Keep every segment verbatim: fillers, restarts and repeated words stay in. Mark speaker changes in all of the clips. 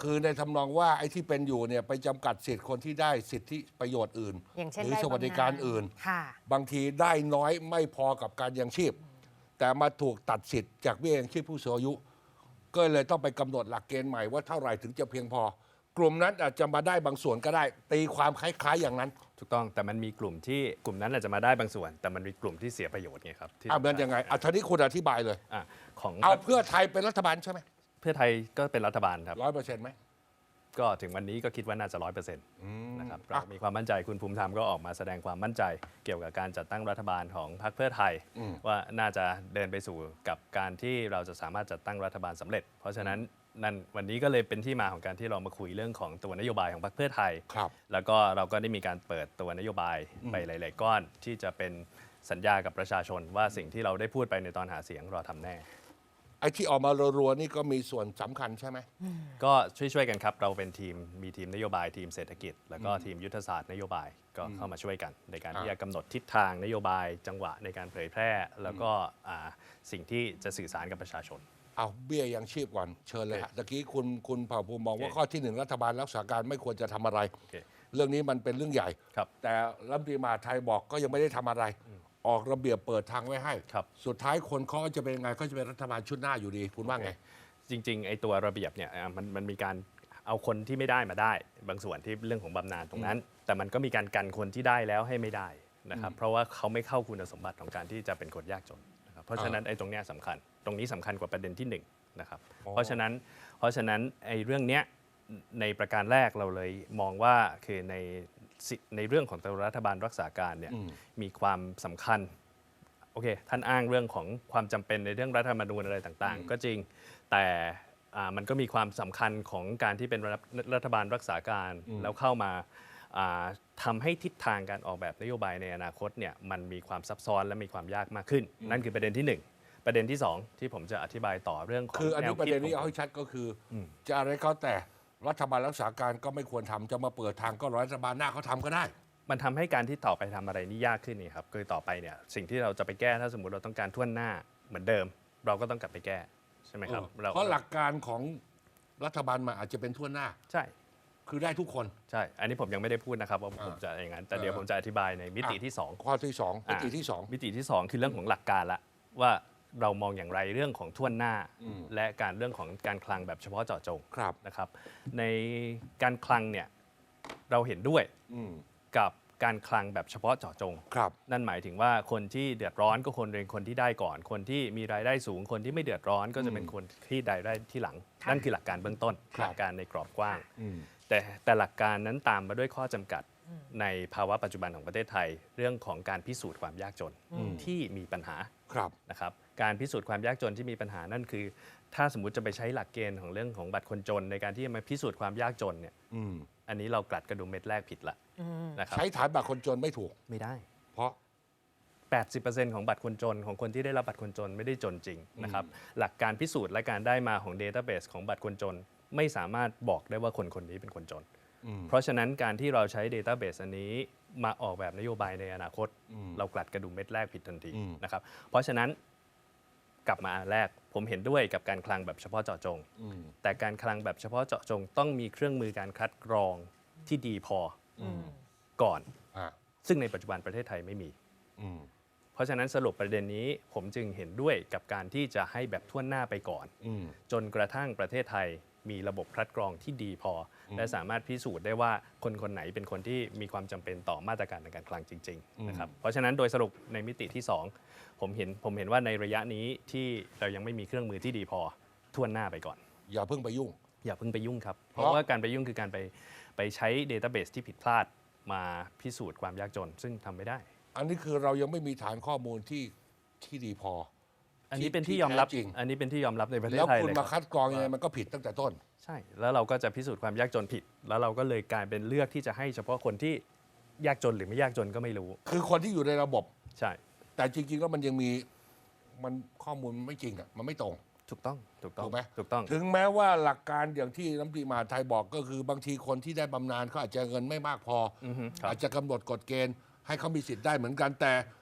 Speaker 1: คือในทำนองว่าไอ้ที่เป็นอยู่เนี่ยไปจำกัดสิทธิ์คนที่ได้สิทธิประโยชน์อื่น
Speaker 2: อย่างเช่น
Speaker 1: หรือสวัสดิการอื่น
Speaker 2: ค่ะ
Speaker 1: บางทีได้น้อยไม่พอกับการยังชีพ แต่มาถูกตัดสิทธิ์จากเบี้ยยังชีพผู้สูงอายุ ก็เลยต้องไปกำหนดหลักเกณฑ์ใหม่ว่าเท่าไหร่ถึงจะเพียงพอ กลุ่มนั้นอาจจะมาได้บางส่วนก็ได้ ตีความคล้ายๆอย่างนั้น
Speaker 3: ถูกต้องแต่มันมีกลุ่มที่กลุ่มนั้นอาจจะมาได้บางส่วน แต่มันมีกลุ่มที่เสียประโยชน์ไงครับที่
Speaker 1: อ่ะมันยังไงอ่ะทีนี้คุณอธิบายเลย
Speaker 3: อ่ะของ
Speaker 1: เอาเพื่อไทยเป็นรัฐบาลใช่ไหม
Speaker 3: เพื่อไทยก็เป็นรัฐบาลครับ
Speaker 1: ร้อยเปอร์เซ็นต์ไหม
Speaker 3: ก็ถึงวันนี้ก็คิดว่าน่าจะร้อยเปอร์เซ็นต์นะครับเรามีความมั่นใจคุณภูมิธรรมก็ออกมาแสดงความมั่นใจเกี่ยวกับการจัดตั้งรัฐบาลของพรรคเพื่อไทย ว่าน่าจะเดินไปสู่กับการที่เราจะสามารถจัดตั้งรัฐบาลสำเร็จ เพราะฉะนั้นนั่นวันนี้ก็เลยเป็นที่มาของการที่เรามาคุยเรื่องของตัวนโยบายของพรรคเพื่อไทย
Speaker 1: ครับ
Speaker 3: แล้วก็เราก็ได้มีการเปิดตัวนโยบายไปหลาย ๆ ก้อนที่จะเป็นสัญญากับประชาชนว่าสิ่งที่เราได้พูดไปในตอนหาเสียงเราทำแน่
Speaker 1: ไอ้ที่ออกมารัวๆนี่ก็มีส่วนสำคัญใช่ไหม
Speaker 3: ก็ช่วยๆกันครับเราเป็นทีมมีทีมนโยบายทีมเศรษฐกิจ แล้วก็ทีมยุทธศาสตร์นโยบายก็เข้ามาช่วยกัน ในการที่จะกำหนดทิศทางนโยบายจังหวะในการเผยแพร่ แล้วก็อ่าสิ่งที่จะสื่อสารกับประชาชน
Speaker 1: เอาเบี้ยยังชีพก่อนเชิญเลยฮะตะกี้คุณคุณเผ่าภูมิมองว่า
Speaker 3: โอเค
Speaker 1: ข้อที่หนึ่งรัฐบาลรักษาการไม่ควรจะทำอะไร
Speaker 3: โอเค
Speaker 1: เรื่องนี้มันเป็นเรื่องใหญ่
Speaker 3: ครับ
Speaker 1: แต่รัฐมนตรีมหาดไทยบอกก็ยังไม่ได้ทำอะไร ออกระเบียบเปิดทางไว้ให้
Speaker 3: ครับ
Speaker 1: สุดท้ายคนเขาจะเป็นยังไงก็จะเป็นรัฐบาลชุดหน้าอยู่ดี คุณว่าไง
Speaker 3: จริงๆไอ้ตัวระเบียบเนี่ยอ่ะมันมันมีการเอาคนที่ไม่ได้มาได้ บางส่วนที่เรื่องของบำนาญตรงนั้น แต่มันก็มีการกันคนที่ได้แล้วให้ไม่ได้นะครับเพราะว่าเขาไม่เข้าคุณสมบัติของการที่จะเป็นคนยากจนนะครับเพราะฉะนั้นไอ้ตรงเนี้ยสำคัญ ตรงนี้สำคัญกว่าประเด็นที่หนึ่งนะครับ
Speaker 1: อ๋อ
Speaker 3: เพราะฉะนั้นเพราะฉะนั้นไอ้เรื่องเนี้ยในประการแรกเราเลยมองว่าคือในสิในเรื่องของตัวรัฐบาลรักษาการเนี่ยมีความสำคัญ โอเค ท่านอ้างเรื่องของความจำเป็นในเรื่องรัฐธรรมนูญอะไรต่างๆ ก็จริง แต่อ่ามันก็มีความสำคัญของการที่เป็นรัฐรัฐบาลรักษาการ แล้วเข้ามาอ่าทำให้ทิศทางการออกแบบนโยบายในอนาคตเนี่ยมันมีความซับซ้อนและมีความยากมากขึ้น นั่นคือประเด็นที่หนึ่งประเด็นที่สองที่ผมจะอธิบายต่อเรื่องของ
Speaker 1: คืออันนี้
Speaker 3: แว
Speaker 1: ประ
Speaker 3: คิ
Speaker 1: เด็นนี้
Speaker 3: ข
Speaker 1: เอา
Speaker 3: งผม
Speaker 1: ให้ชัดก็คืออจะอะไรก็แต่รัฐบาลรักษาการก็ไม่ควรทำจะมาเปิดทางก็รัฐบาลหน้าเขาทำก็ได้
Speaker 3: มันทำให้การที่ต่อไปทำอะไรนี่ยากขึ้นนี่ครับคือต่อไปเนี่ยสิ่งที่เราจะไปแก้ถ้าสมมติเราต้องการท่วนหน้าเหมือนเดิม เราก็ต้องกลับไปแก้ใช่ไหมครับ
Speaker 1: เออเพราะหลักการของรัฐบาลมาอาจจะเป็นทั่วหน้า
Speaker 3: ใช่
Speaker 1: คือได้ทุกคน
Speaker 3: ใช่ อันนี้ผมยังไม่ได้พูดนะครับว่าผม
Speaker 1: อ่า
Speaker 3: จะอย่างนั้น แต่เดี๋ยว
Speaker 1: เออ
Speaker 3: ผมจะอธิบายในมิติที่สอง
Speaker 1: ข้อที่สองมิติที่สอง
Speaker 3: มิติที่สองคือเรื่องของหลักการละว่าเรามองอย่างไรเรื่องของท่วนหน้า และการเรื่องของการคลังแบบเฉพาะเจาะจง
Speaker 1: ครับ
Speaker 3: นะครับ ในการคลังเนี่ยเราเห็นด้วย
Speaker 1: อืม
Speaker 3: กับการคลังแบบเฉพาะเจาะจง
Speaker 1: ครับ
Speaker 3: นั่นหมายถึงว่าคนที่เดือดร้อนก็คนเป็นคนที่ได้ก่อน คนที่มีรายได้สูง คนที่ไม่เดือดร้อนก็จะเป็นคนที่ได้ได้ที่หลัง
Speaker 2: ค่ะ
Speaker 3: นั่นคือหลักการเบื้องต้น
Speaker 1: ครับ
Speaker 3: หลักการในกรอบกว้าง
Speaker 1: อืม
Speaker 3: แต่แต่หลักการนั้นตามมาด้วยข้อจำกัดในภาวะปัจจุบันของประเทศไทย เรื่องของการพิสูจน์ความยากจนที่มีปัญหา
Speaker 1: ครับ
Speaker 3: นะครับการพิสูจน์ความยากจนที่มีปัญหานั่นคือ ถ้าสมมุติจะไปใช้หลักเกณฑ์ของเรื่องของบัตรคนจนในการที่จะมาพิสูจน์ความยากจนเนี่ย
Speaker 1: อืม
Speaker 3: อันนี้เรากลัดกระดุมเม็ดแรกผิดละนะครับ
Speaker 1: ใช้ฐานบัตรคนจนไม่ถูก
Speaker 3: ไม่ได้
Speaker 1: เพราะ
Speaker 3: แปดสิบเปอร์เซ็นต์ ของบัตรคนจนของคนที่ได้รับบัตรคนจนไม่ได้จนจริงนะครับหลักการพิสูจน์และการได้มาของ Database ของบัตรคนจน ไม่สามารถบอกได้ว่าคนคนนี้เป็นคนจน เพราะฉะนั้นการที่เราใช้ Database อันนี้มาออกแบบนโยบายในอนาคต เรากลัดกระดุมเม็ดแรกผิดทันทีนะครับเพราะฉะนั้นกลับมาอันแรกผมเห็นด้วยกับการคลังแบบเฉพาะเจาะจง แต่การคลังแบบเฉพาะเจาะจง ต้องมีเครื่องมือการคัดกรองที่ดีพออก่อน
Speaker 1: อ่า
Speaker 3: ซึ่งในปัจจุบันประเทศไทยไม่มี
Speaker 1: อืม
Speaker 3: เพราะฉะนั้นสรุปประเด็นนี้ผมจึงเห็นด้วยกับการที่จะให้แบบทั่วหน้าไปก่อน
Speaker 1: อืม
Speaker 3: จนกระทั่งประเทศไทยมีระบบคัดกรองที่ดีพอ และสามารถพิสูจน์ได้ว่าคนคนไหนเป็นคนที่มีความจำเป็นต่อมาตรการในการคลังจริงๆนะครับเพราะฉะนั้นโดยสรุปในมิติที่สองผมเห็นผมเห็นว่าในระยะนี้ที่เรายังไม่มีเครื่องมือที่ดีพอทั่วหน้าไปก่อน
Speaker 1: อย่าเพิ่งไปยุ่ง
Speaker 3: อย่าเพิ่งไปยุ่งครับ เพ
Speaker 1: เพราะ
Speaker 3: ราะว่าการไปยุ่งคือการไปไปใช้ Database ที่ผิดพลาดมาพิสูจน์ความยากจน ซึ่งทำไม่ได้
Speaker 1: อันนี้คือเรายังไม่มีฐานข้อมูลที่ที่ดีพอ
Speaker 3: อันนี้เป็นที่ยอมรับ
Speaker 1: ที่แท้จริง
Speaker 3: อันนี้เป็นที่ยอมรับในประเทศ
Speaker 1: แล้ว
Speaker 3: ไทย
Speaker 1: คุณ
Speaker 3: เลย
Speaker 1: มา
Speaker 3: ค
Speaker 1: คั
Speaker 3: รับ
Speaker 1: ดกรองยังไงมันก็ผิดตั้งแต่ต้น
Speaker 3: ใช่ แล้วเราก็จะพิสูจน์ความยากจนผิด แล้วเราก็เลยกลายเป็นเลือกที่จะให้เฉพาะคนที่ยากจนหรือไม่ยากจนก็ไม่รู้
Speaker 1: คือคนที่อยู่ในระบบ
Speaker 3: ใช่
Speaker 1: แต่จริง ๆ แล้วมันยังมีมันข้อมูลมันไม่จริงอ่ะมันไม่ตรง
Speaker 3: ถูกต้องถูกต้อง
Speaker 1: ถูกไหม
Speaker 3: ถูกต้อง
Speaker 1: ถึงแม้ว่าหลักการอย่างที่รัฐมนตรีมหาดไทยบอกก็คือบางทีคนที่ได้บำนาญเขาอาจจะเงินไม่มากพออ
Speaker 3: อฮึครับ
Speaker 1: อาจจะกำหนดกฎเกณฑ์ให้เขามีสิทธิ์ได้เหมือนกันแต่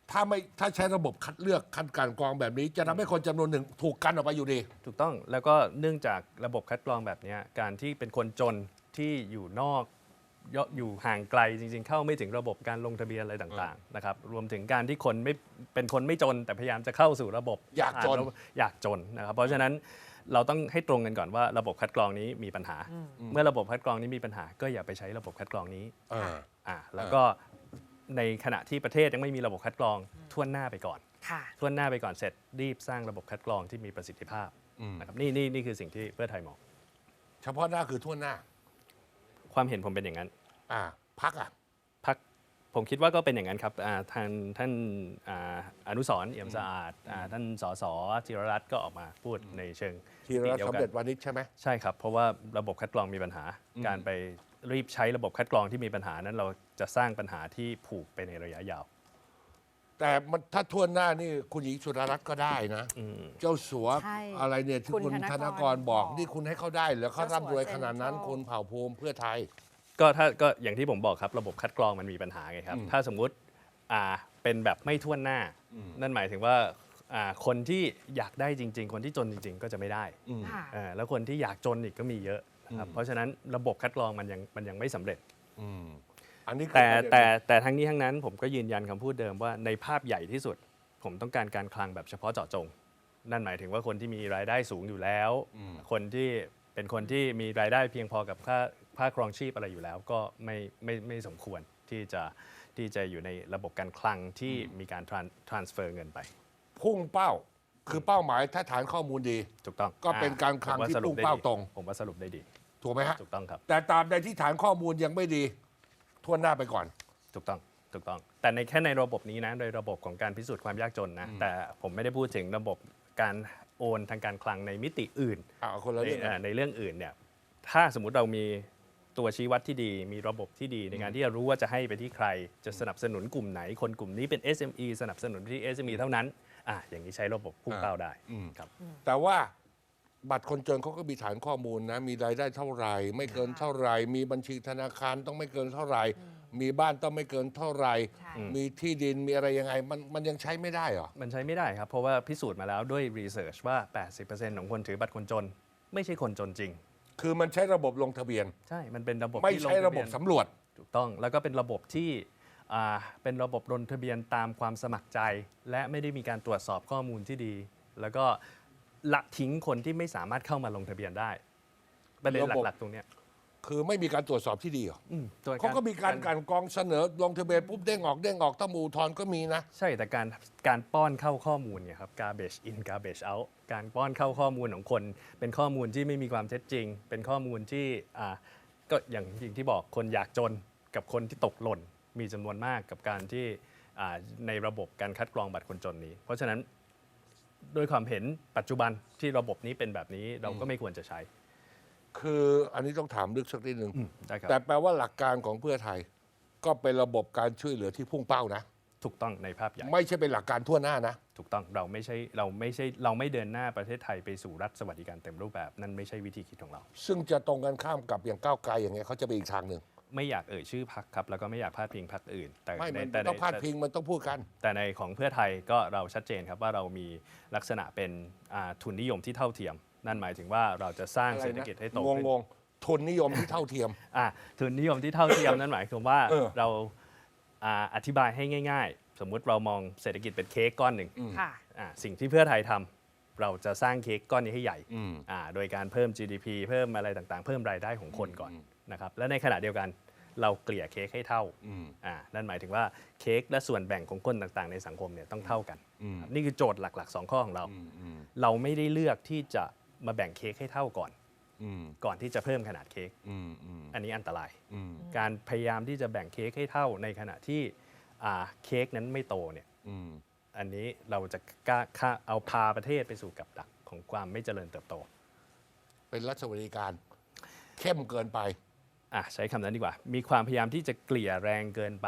Speaker 1: ถ้าไม่ถ้าใช้ระบบคัดเลือกคัดการกรองแบบนี้ จะทำให้คนจำนวนหนึ่งถูกกันออกไปอยู่ดี
Speaker 3: ถูกต้องแล้วก็เนื่องจากระบบคัดกรองแบบเนี้ยการที่เป็นคนจนที่อยู่นอกยอยู่ห่างไกลจริงๆ เข้าไม่ถึงระบบการลงทะเบียนอะไรต่างๆนะครับรวมถึงการที่คนไม่เป็นคนไม่จน แต่พยายามจะเข้าสู่ระบบ
Speaker 1: อยากจน
Speaker 3: อ่อยากจนนะครับเพราะฉะนั้นเราต้องให้ตรงกันก่อนว่าระบบคัดกรองนี้มีปัญหา เมื่อระบบคัดกรองนี้มีปัญหา ก็อย่าไปใช้ระบบคัดกรองนี้
Speaker 1: เออ
Speaker 3: อ่าแล้วก็ในขณะที่ประเทศยังไม่มีระบบคัดกรองทั่วหน้าไปก่อน
Speaker 2: ค่ะ
Speaker 3: ทั่วหน้าไปก่อนเสร็จรีบสร้างระบบคัดกรองที่มีประสิทธิภาพ
Speaker 1: อืม
Speaker 3: นะครับนี่นี่นี่คือสิ่งที่เพื่อไทยมอง
Speaker 1: เฉพาะหน้าคือทั่วหน้า
Speaker 3: ความเห็นผมเป็นอย่างนั้น
Speaker 1: อ่าพักอ่ะ
Speaker 3: พักผมคิดว่าก็เป็นอย่างนั้นครับอ่าทางท่านอ่าอนุสรณ์เอี่ยมสะอาดอ่าท่านสสธีรรัตน์ก็ออกมาพูดในเชิง
Speaker 1: ทีรัฐ
Speaker 3: เดียว
Speaker 1: สำ
Speaker 3: กั
Speaker 1: เร็จวานิชใช่ไหม
Speaker 3: ใช่ครับเพราะว่าระบบคัดกรองมีปัญหา การไปรีบใช้ระบบคัดกรองที่มีปัญหานั้นเราจะสร้างปัญหาที่ผูกไปในระยะยาว
Speaker 1: แต่มันถ้าทั่วหน้านี่คุณหญิงสุดารัตน์ก็ได้นะ เจ้าสัว
Speaker 2: ใช่
Speaker 1: อะไรเนี่ยที่
Speaker 2: คุณ
Speaker 1: คุณ
Speaker 2: ธนกร
Speaker 1: ธนกรบอก
Speaker 2: บอก
Speaker 1: นี่คุณให้เขาได้เหรือเขา
Speaker 2: เจ้าสัว
Speaker 1: ร่ำรวยขนาดนั้น
Speaker 2: เซ็นทรัล
Speaker 1: คุณเผ่าภูมิเพื่อไทย
Speaker 3: ก็ถ้าก็อย่างที่ผมบอกครับระบบคัดกรองมันมีปัญหาไงครับ ถ้าสมมุติอ่าเป็นแบบไม่ทั่วหน้า นั่นหมายถึงว่าอ่าคนที่อยากได้จริง ๆ คนที่จนจริง ๆ ก็จะไม่ได้
Speaker 2: ค่ะ
Speaker 3: อ่าแล้วคนที่อยากจนอีกก็มีเยอะนะครับเพราะฉะนั้นระบบคัดกรองมันยังมันยังไม่สำเร็จ
Speaker 1: อืมอันนี้คือ
Speaker 3: แต่
Speaker 1: ประเด็น
Speaker 3: แต่แต่ทั้งนี้ทั้งนั้นผมก็ยืนยันคำพูดเดิมว่าในภาพใหญ่ที่สุด ผมต้องการการคลังแบบเฉพาะเจาะจง นั่นหมายถึงว่าคนที่มีรายได้สูงอยู่แล้ว คนที่เป็นคนที่มีรายได้เพียงพอกับค่าค่าครองชีพอะไรอยู่แล้ว ก็ไม่ไม่ไม่สมควรที่จะที่จะอยู่ในระบบการคลังที่มีการ tran- transfer เงินไป
Speaker 1: พุ่งเป้า คือเป้าหมายถ้าฐานข้อมูลดี
Speaker 3: ถูกต้อง
Speaker 1: ก็เป็นการคลัง
Speaker 3: ผมว่
Speaker 1: ที่
Speaker 3: สรุ
Speaker 1: พุ่ง
Speaker 3: ได้
Speaker 1: เป้า
Speaker 3: ดี
Speaker 1: ตรง
Speaker 3: ผมว่าสรุปได้ดี
Speaker 1: ถูกไหมฮะ
Speaker 3: ถูกต้องครับ
Speaker 1: แต่ตามใดที่ฐานข้อมูลยังไม่ดีทั่วหน้าไปก่อน
Speaker 3: ถูกต้อง ถูกต้อง แต่ในแค่ในระบบนี้นะ โดยระบบของการพิสูจน์ความยากจนนะ แต่ผมไม่ได้พูดถึงระบบการโอนทางการคลังในมิติอื่น
Speaker 1: อ่าคนละ
Speaker 3: ใน
Speaker 1: เรื่องกั
Speaker 3: เอ่อน ในเรื่องอื่นเนี่ย ถ้าสมมุติเรามีตัวชี้วัดที่ดี มีระบบที่ดีในการที่จะรู้ว่าจะให้ไปที่ใคร จะสนับสนุนกลุ่มไหน คนกลุ่มนี้เป็น เอส เอ็ม อี สนับสนุนที่ เอส เอ็ม อี เท่านั้น อ่ะอย่างนี้ใช้ระบบพุ่งเป้าได้ครับ
Speaker 1: แต่ว่าบัตรคนจนเขาก็มีฐานข้อมูลนะ มีรายได้เท่าไหร่ ไม่เกินเท่าไหร่ มีบัญชีธนาคารต้องไม่เกินเท่าไหร่ มีบ้านต้องไม่เกินเท่าไหร่
Speaker 2: ใช่
Speaker 1: มีที่ดินมีอะไรยังไง มันมันยังใช้ไม่ได้เหรอ
Speaker 3: มันใช้ไม่ได้ครับ เพราะว่าพิสูจน์มาแล้วด้วยรีเสิร์ชว่า แปดสิบเปอร์เซ็นต์ ของคนถือบัตรคนจน ไม่ใช่คนจนจริง
Speaker 1: คือมันใช้ระบบลงทะเบียน
Speaker 3: ใช่ มันเป็นระบบ
Speaker 1: ไม่
Speaker 3: ที่ลง
Speaker 1: ใช้
Speaker 3: ทะ
Speaker 1: ระ
Speaker 3: เบี
Speaker 1: บ
Speaker 3: ย
Speaker 1: บ
Speaker 3: น
Speaker 1: สำรวจ
Speaker 3: ถูกต้องแล้วก็เป็นระบบที่อ่าเป็นระบบลงทะเบียนตามความสมัครใจ และไม่ได้มีการตรวจสอบข้อมูลที่ดี แล้วก็ละทิ้งคนที่ไม่สามารถเข้ามาลงทะเบียนได้ประเด็น
Speaker 1: ระบบ
Speaker 3: หลักๆตรงเนี้ย
Speaker 1: คือไม่มีการตรวจสอบที่ดีเหรอ
Speaker 3: อืมตัว
Speaker 1: เขาก็มีการกลันกรองเสนอลงทะเบียนปุ๊บเด้งออกเด้งออกต้องมูทอนก็มีนะ
Speaker 3: ใช่แต่การการป้อนเข้าข้อมูลเนี่ยครับ garbage in garbage out การป้อนเข้าข้อมูลของคน เป็นข้อมูลที่ไม่มีความเท็จจริง เป็นข้อมูลที่อ่าก็อย่างอย่างที่บอกคนอยากจนกับคนที่ตกหล่นมีจำนวนมากกับการที่อ่าในระบบการคัดกรองบัตรคนจนนี้ เพราะฉะนั้นโดยความเห็นปัจจุบันที่ระบบนี้เป็นแบบนี้เราก็ไม่ควรจะใช้
Speaker 1: คืออันนี้ต้องถามลึกสักนิดหนึ่ง
Speaker 3: ได้ครับ
Speaker 1: แต่แปลว่าหลักการของเพื่อไทย ก็เป็นระบบการช่วยเหลือที่พุ่งเป้านะ
Speaker 3: ถูกต้องในภาพใหญ่
Speaker 1: ไม่ใช่เป็นหลักการทั่วหน้านะ
Speaker 3: ถูกต้องเราไม่ใช่เราไม่ใช่เราไม่เดินหน้าประเทศไทยไปสู่รัฐสวัสดิการเต็มรูปแบบนั่นไม่ใช่วิธีคิดของเรา
Speaker 1: ซึ่งจะตรงกันข้ามกับอย่างก้าวไกลอย่างเงี้ยเขาจะไปอีกทางหนึ่ง
Speaker 3: ไม่อยากเอ่ยชื่อพักครับแล้วก็ไม่อยากพาดพิงพักอื่น แต่
Speaker 1: ไม่
Speaker 3: ใน
Speaker 1: มัน
Speaker 3: แต่ใน
Speaker 1: ต้องพาดพิงมันต้องพูดกัน
Speaker 3: แต่ในของเพื่อไทยก็เราชัดเจนครับว่าเรามีลักษณะเป็นอ่าทุนนิยมที่เท่าเทียม นั่นหมายถึงว่าเราจะสร้างเศรษฐกิจให้โต
Speaker 1: ง
Speaker 3: ขึ้น
Speaker 1: งงๆทุนนิยมที่เท่าเทียม
Speaker 3: อ่ะทุนนิยมที่เท่าเทียม นั่นหมายความว่า
Speaker 1: เออ
Speaker 3: เราอ่าอธิบายให้ง่าย ๆ สมมุติเรามองเศรษฐกิจเป็นเค้กก้อนหนึ่ง
Speaker 2: ค่ะ
Speaker 3: อ่ะสิ่งที่เพื่อไทยทำเราจะสร้างเค้กก้อนนี้ให้ใหญ่
Speaker 1: อืม
Speaker 3: อ่าโดยการเพิ่ม จี ดี พี เพิ่มอะไรต่างๆ เพิ่มรายได้ของคนก่อนนะครับและในขณะเดียวกันเราเกลี่ยเค้กให้เท่า
Speaker 1: อืม
Speaker 3: อ่านั่นหมายถึงว่าเค้กและส่วนแบ่งของคนต่างๆ ในสังคมเนี่ยต้องเท่ากัน
Speaker 1: อืม
Speaker 3: ครับนี่คือโจทย์หลักๆสองข้อของเรา
Speaker 1: อืมอืม
Speaker 3: เราไม่ได้เลือกที่จะมาแบ่งเค้กให้เท่าก่อน
Speaker 1: อืม
Speaker 3: ก่อนที่จะเพิ่มขนาดเค้ก
Speaker 1: อืมอืม
Speaker 3: อันนี้อันตราย
Speaker 1: อืม
Speaker 3: การพยายามที่จะแบ่งเค้กให้เท่าในขณะที่อ่าเค้กนั้นไม่โตเนี่ย
Speaker 1: อืม
Speaker 3: อันนี้เราจะกล้าฆ่าเอาพาประเทศไปสู่กับดักของความไม่เจริญเติบโต
Speaker 1: เป็นรัฐสวัสดิการ เข้มเกินไป
Speaker 3: อ่ะใช้คำนั้นดีกว่า มีความพยายามที่จะเกลี่ยแรงเกินไป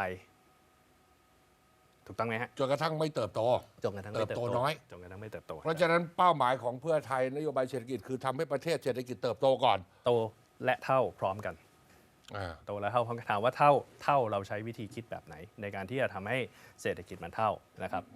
Speaker 3: ถูกต้องไหมฮะ
Speaker 1: จนกระทั่งไม่เติบโต
Speaker 3: จนกระทั่งไม่เติบ
Speaker 1: เติบ
Speaker 3: โต
Speaker 1: โตน้อย
Speaker 3: จนกระทั่งไม่เติบโต
Speaker 1: เพราะฉะนั้นเป้าหมายของเพื่อไทยนโยบายเศรษฐกิจคือทำให้ประเทศเศรษฐกิจเติบโตก่อน
Speaker 3: โตและเท่าพร้อมกัน
Speaker 1: อ่า
Speaker 3: โตแล้วเท่าถามว่าเท่าเท่าเราใช้วิธีคิดแบบไหน ในการที่จะทำให้เศรษฐกิจมันเท่านะครับ